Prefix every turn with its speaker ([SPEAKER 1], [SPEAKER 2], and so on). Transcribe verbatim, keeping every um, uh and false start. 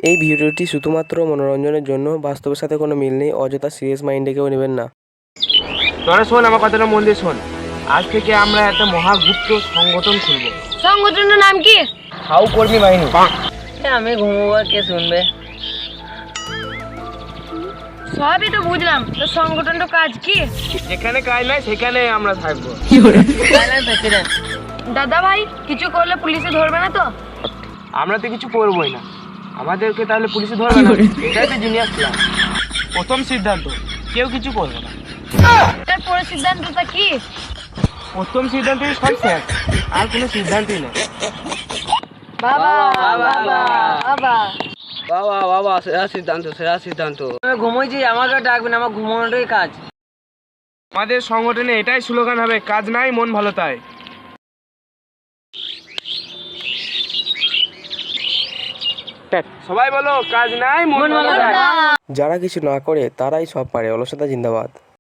[SPEAKER 1] এই ভিডিওটি শুধুমাত্র মনোরঞ্জনের জন্য, বাস্তবের সাথে কোনো মিল নেই। অযথা সিরিয়াস মাইন্ডে কেউ নেবেন না।
[SPEAKER 2] তোরা শোন, আমার কথাটা মন দিয়ে শোন। আজ থেকে আমরা একটা মহাগুপ্ত সংগঠন খুলব।
[SPEAKER 3] সংগঠনের নাম কি?
[SPEAKER 2] খাও কর্মী বাহিনী।
[SPEAKER 4] আমি ঘুমোবো, কে শুনবে?
[SPEAKER 3] সবই তো বুঝলাম, তো সংগঠনটা কাজ কি?
[SPEAKER 2] যেখানে কাজ নাই সেখানে আমরা থাকবো।
[SPEAKER 4] প্রেসিডেন্ট।
[SPEAKER 3] দাদা ভাই, কিছু করলে পুলিশে ধরবে না তো?
[SPEAKER 2] আমরা তো কিছু করবোই না, আমাদেরকে তাহলে পুলিশে ধরবে না? এটাই তো জিনিয়াস প্ল্যান। প্রথম সিদ্ধান্ত, কেউ কিছু করবে না।
[SPEAKER 3] এরপরে সিদ্ধান্তটা কি?
[SPEAKER 2] প্রথম সিদ্ধান্তই সব শেষ, আর কোনো সিদ্ধান্তই নেই।
[SPEAKER 3] বাবা বাবা বাবা
[SPEAKER 4] বাবা বাবা, সেরা সিদ্ধান্ত, সেরা সিদ্ধান্ত। আমি ঘুমোইছি, আমাকে ডাকবেন, আমার ঘুমানোটাই কাজ।
[SPEAKER 2] আমাদের সংগঠনে এটাই স্লোগান হবে, কাজ নাই মন ভালো তাই। সবাই বলো, কাজ নাই মন ভালো তাই।
[SPEAKER 1] যারা কিছু না করে তারাই সব পারে। অলসতা জিন্দাবাদ।